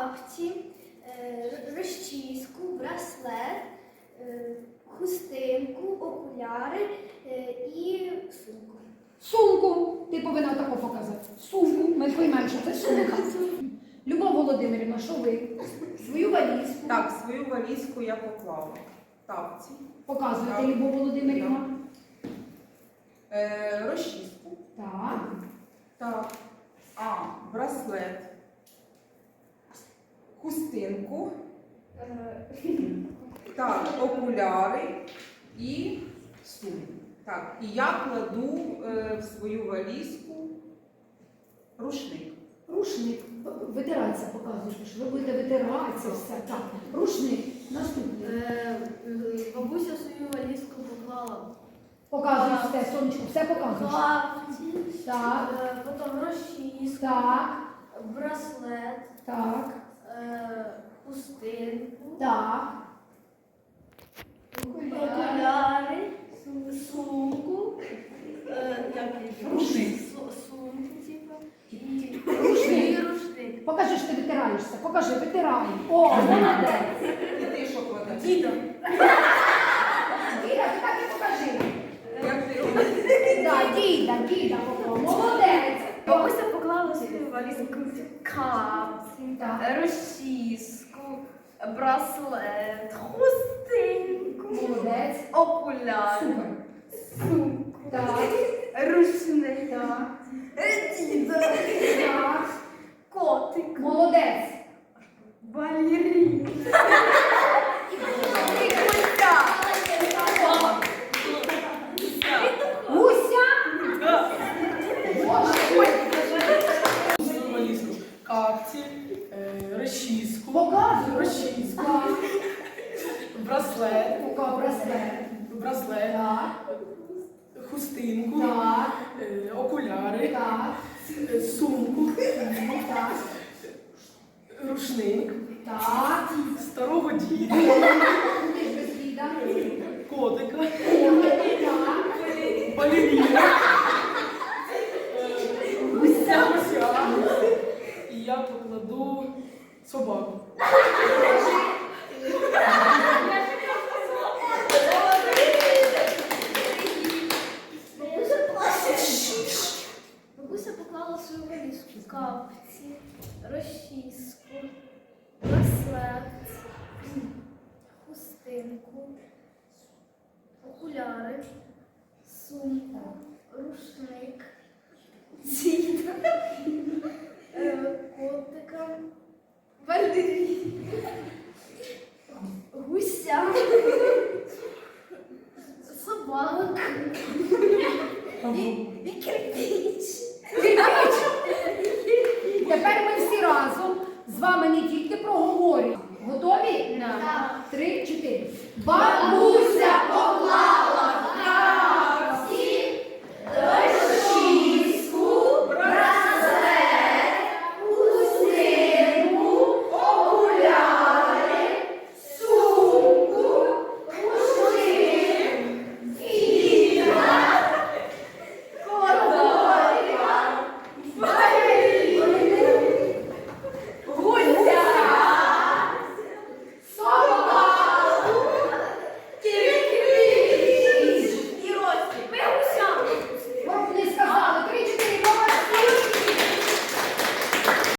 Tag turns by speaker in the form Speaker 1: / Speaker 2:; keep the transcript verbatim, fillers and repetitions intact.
Speaker 1: капці, розчіску, браслет, хустинку, окуляри і сумку.
Speaker 2: Сумку. Ти повинна тако показати. Сумку. Ми поймемо, що це сумка. Любов Володимирівна, що ви? Свою валізку.
Speaker 3: Так, свою валізку я поклала. Тапці.
Speaker 2: Показуєте, Любов Володимирівна.
Speaker 3: Е, розчіску.
Speaker 2: Так.
Speaker 3: Так. А, браслет. Хустинку. Так, окуляри і сумку. Так, і я кладу е, в свою валізку рушник.
Speaker 2: Рушник. Витиратися показуєте, що ви будете витиратися все. Так. Рушник. Наступний.
Speaker 1: Бабуся свою валізку поклала.
Speaker 2: Показуй все, сонечко, все показуєш.
Speaker 1: Капці,
Speaker 2: Так.
Speaker 1: потім розчіску,
Speaker 2: Так.
Speaker 1: браслет,
Speaker 2: Так.
Speaker 1: хустинку,
Speaker 2: Так.
Speaker 1: окуляри, сумку, як
Speaker 3: Рушник.
Speaker 1: сумку, типу, і
Speaker 2: Рушник.
Speaker 1: рушник.
Speaker 2: Покажи, що ти витираєшся. Покажи, витирай. О, молодець.
Speaker 3: І ти що кладеш?
Speaker 1: Дідо.
Speaker 2: Діда, ти так і покажи.
Speaker 3: Як ти робиш?
Speaker 2: Так, діда, діда, молодець.
Speaker 1: Бабуся поклала свою валізку капці,
Speaker 2: Так.
Speaker 1: розчіску, браслет, хустинку,
Speaker 2: Молодець.
Speaker 1: окуляри,
Speaker 2: Супер.
Speaker 1: сумку,
Speaker 2: Так.
Speaker 1: рушник,
Speaker 2: Так.
Speaker 1: дідо,
Speaker 2: Так.
Speaker 1: котик,
Speaker 2: Молодець.
Speaker 1: балерина,
Speaker 2: Гуся.
Speaker 4: Свою валізку. Капці, е, розчіску,
Speaker 2: Показуй.
Speaker 4: розчіску,
Speaker 2: Так.
Speaker 4: браслет,
Speaker 2: Пока браслет.
Speaker 4: браслет,
Speaker 2: Так.
Speaker 4: хустинку,
Speaker 2: Так.
Speaker 4: е, окуляри,
Speaker 2: Так.
Speaker 4: е, сумку,
Speaker 2: Так.
Speaker 4: рушник,
Speaker 2: Так.
Speaker 4: старого діда,
Speaker 2: Ти ж без діда.
Speaker 4: котика,
Speaker 2: Так.
Speaker 4: балеріна, гуся, гуся. І я покладу собаку.
Speaker 1: Бабуся поклала свою валізку, капці, розчіску, браслет, хустинку, окуляри, сумку, рушник, діда, е, котика, балерину, гуся, собак і, і кирпич.
Speaker 2: Тепер ми всі разом з вами не тільки проговорюємо. Готові?
Speaker 1: Так.
Speaker 2: Три, чотири. Бабуся